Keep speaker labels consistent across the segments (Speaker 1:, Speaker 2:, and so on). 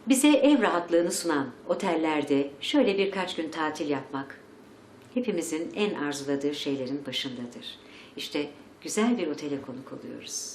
Speaker 1: Bize ev rahatlığını sunan otellerde şöyle birkaç gün tatil yapmak hepimizin en arzuladığı şeylerin başındadır. İşte güzel bir otele konuk oluyoruz.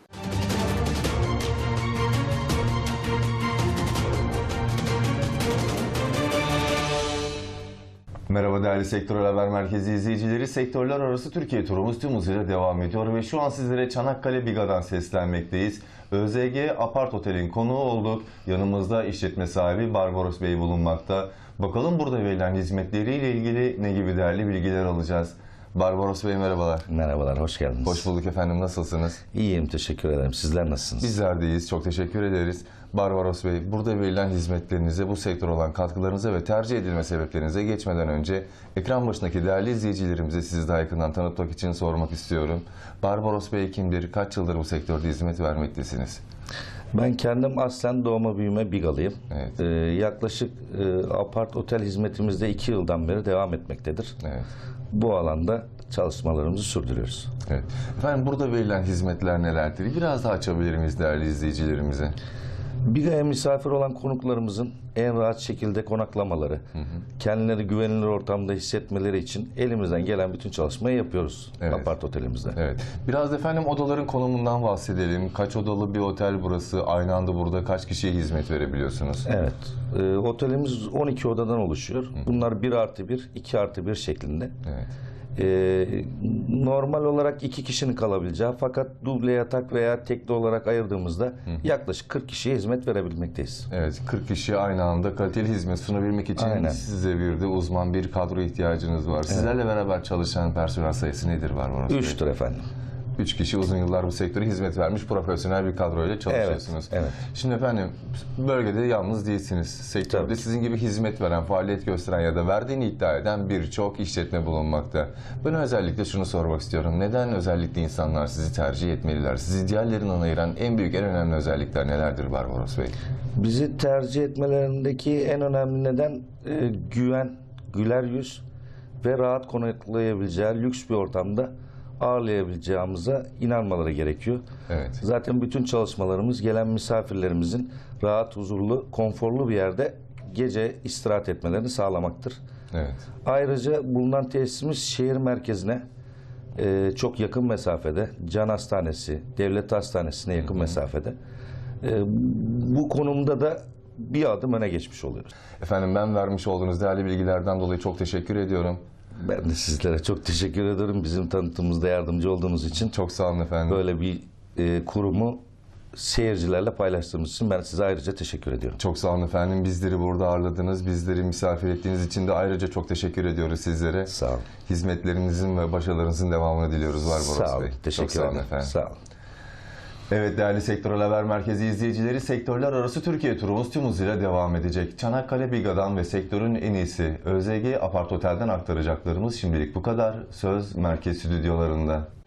Speaker 2: Merhaba değerli Sektörel Haber Merkezi izleyicileri. Sektörler arası Türkiye turumuz tüm hızıyla devam ediyor ve şu an sizlere Çanakkale Biga'dan seslenmekteyiz. ÖZG Apart Otel'in konuğu olduk. Yanımızda işletme sahibi Barbaros Bey bulunmakta. Bakalım burada verilen hizmetleriyle ilgili ne gibi değerli bilgiler alacağız. Barbaros Bey merhabalar.
Speaker 3: Merhabalar, hoş geldiniz.
Speaker 2: Hoş bulduk efendim, nasılsınız?
Speaker 3: İyiyim, teşekkür ederim. Sizler nasılsınız?
Speaker 2: Bizler de iyiyiz, çok teşekkür ederiz. Barbaros Bey, burada verilen hizmetlerinize, bu sektör olan katkılarınıza ve tercih edilme sebeplerinize geçmeden önce ekran başındaki değerli izleyicilerimize sizi daha yakından tanıtmak için sormak istiyorum. Barbaros Bey kimdir? Kaç yıldır bu sektörde hizmet vermektesiniz?
Speaker 3: Ben kendim aslen doğma büyüme Bigalıyım.
Speaker 2: Evet.
Speaker 3: Yaklaşık apart otel hizmetimizde 2 yıldan beri devam etmektedir.
Speaker 2: Evet.
Speaker 3: Bu alanda çalışmalarımızı sürdürüyoruz.
Speaker 2: Evet. Efendim burada verilen hizmetler nelerdir? Biraz daha açabilir miyiz değerli izleyicilerimize?
Speaker 3: Biga'ya misafir olan konuklarımızın en rahat şekilde konaklamaları, kendileri güvenilir ortamda hissetmeleri için elimizden gelen bütün çalışmayı yapıyoruz
Speaker 2: Evet.
Speaker 3: apart otelimizde.
Speaker 2: Evet. Biraz da efendim odaların konumundan bahsedelim. Kaç odalı bir otel burası? Aynı anda burada kaç kişiye hizmet verebiliyorsunuz?
Speaker 3: Evet. Otelimiz 12 odadan oluşuyor. Bunlar 1+1, 2+1 şeklinde.
Speaker 2: Evet.
Speaker 3: Normal olarak 2 kişinin kalabileceği fakat duble yatak veya tekli olarak ayırdığımızda yaklaşık 40 kişiye hizmet verebilmekteyiz.
Speaker 2: Evet, 40 kişi aynı anda kaliteli hizmet sunabilmek için
Speaker 3: Aynen.
Speaker 2: size bir de uzman bir kadro ihtiyacınız var. Sizlerle beraber çalışan personel sayısı nedir Barbaros Bey?
Speaker 3: 3'tür efendim.
Speaker 2: 3 kişi uzun yıllar bu sektöre hizmet vermiş profesyonel bir kadroyla çalışıyorsunuz.
Speaker 3: Evet, evet.
Speaker 2: Şimdi efendim bölgede yalnız değilsiniz. Sektörde
Speaker 3: Tabii.
Speaker 2: sizin gibi hizmet veren, faaliyet gösteren ya da verdiğini iddia eden birçok işletme bulunmakta. Ben özellikle şunu sormak istiyorum. Neden özellikle insanlar sizi tercih etmeliler? Sizi diğerlerinden ayıran en büyük, en önemli özellikler nelerdir Barbaros Bey?
Speaker 3: Bizi tercih etmelerindeki en önemli neden güven, güler yüz ve rahat konaklayabileceği lüks bir ortamda ağırlayabileceğimize inanmaları gerekiyor.
Speaker 2: Evet.
Speaker 3: Zaten bütün çalışmalarımız gelen misafirlerimizin rahat, huzurlu, konforlu bir yerde gece istirahat etmelerini sağlamaktır.
Speaker 2: Evet.
Speaker 3: Ayrıca bulunan tesisimiz şehir merkezine çok yakın mesafede, Can Hastanesi, Devlet Hastanesi'ne yakın mesafede. Bu konumda da bir adım öne geçmiş oluyoruz.
Speaker 2: Efendim ben vermiş olduğunuz değerli bilgilerden dolayı çok teşekkür ediyorum.
Speaker 3: Ben de sizlere çok teşekkür ederim. Bizim tanıtımımızda yardımcı olduğunuz için.
Speaker 2: Çok sağ olun efendim.
Speaker 3: Böyle bir kurumu seyircilerle paylaştığımız için ben size ayrıca teşekkür ediyorum.
Speaker 2: Çok sağ olun efendim. Bizleri burada ağırladınız. Bizleri misafir ettiğiniz için de ayrıca çok teşekkür ediyoruz sizlere.
Speaker 3: Sağ olun.
Speaker 2: Hizmetlerinizin ve başarılarınızın devamını diliyoruz Barbaros Bey.
Speaker 3: Sağ olun. Teşekkür
Speaker 2: Çok sağ olun
Speaker 3: ederim.
Speaker 2: efendim.
Speaker 3: Sağ olun.
Speaker 2: Evet değerli Sektörel Haber Merkezi izleyicileri, sektörler arası Türkiye turumuz tüm hızıyla devam edecek. Çanakkale Biga'dan ve sektörün en iyisi ÖZG Apart Otel'den aktaracaklarımız şimdilik bu kadar. Söz merkez stüdyolarında.